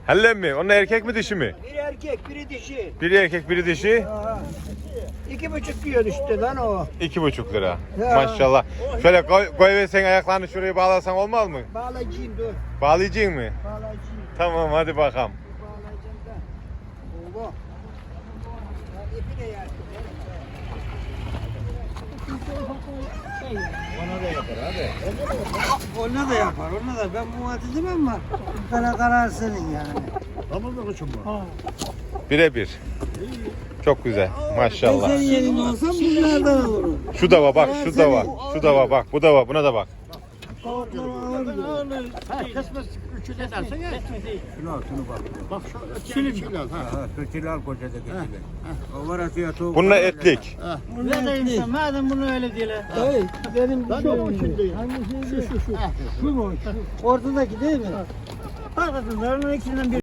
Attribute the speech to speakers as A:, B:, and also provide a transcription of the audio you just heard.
A: Hellen mi? Onlar erkek mi dişi mi?
B: Biri erkek, biri dişi.
A: Biri erkek biri dişi.
B: Aha. 2,5 diyor işte lan o.
A: 2,5 lira.
B: Ya.
A: Maşallah. Şöyle koy ve sen ayaklarını şuraya bağlasan olmaz mı?
B: Bağlayacağım dur.
A: Bağlayacaksın mı?
B: Bağlayacağım.
A: Tamam hadi bakalım.
B: Bağlayacağım da. Oğlum. Lan ipi de yaktım.
C: Ona da yapar abi.
B: Onu da yapar, onu da. Ben muhatizim ama karar senin yani.
C: Tamam da koçum bu.
A: Birebir. Çok güzel.
B: Ben
A: Maşallah.
B: senin yerinde olsam bunlardan olurum.
A: Şu da var bak, şu da var. Şu da var bak, bu da var. Buna da bak.
C: Kesmez üçü de dersen ya. Şunu al şunu bak. Bak şu şunu al. Ha, kötülü al kocada kötülü. O var atıyor.
A: Bununla etlik.
B: Ne diyeyim madem bunu öyle diyorlar. Hayır, benim
C: Ben de o içindeyim.
B: Şu mu? Ortadaki değil mi? Bak bakın, ben onun ikisinden bir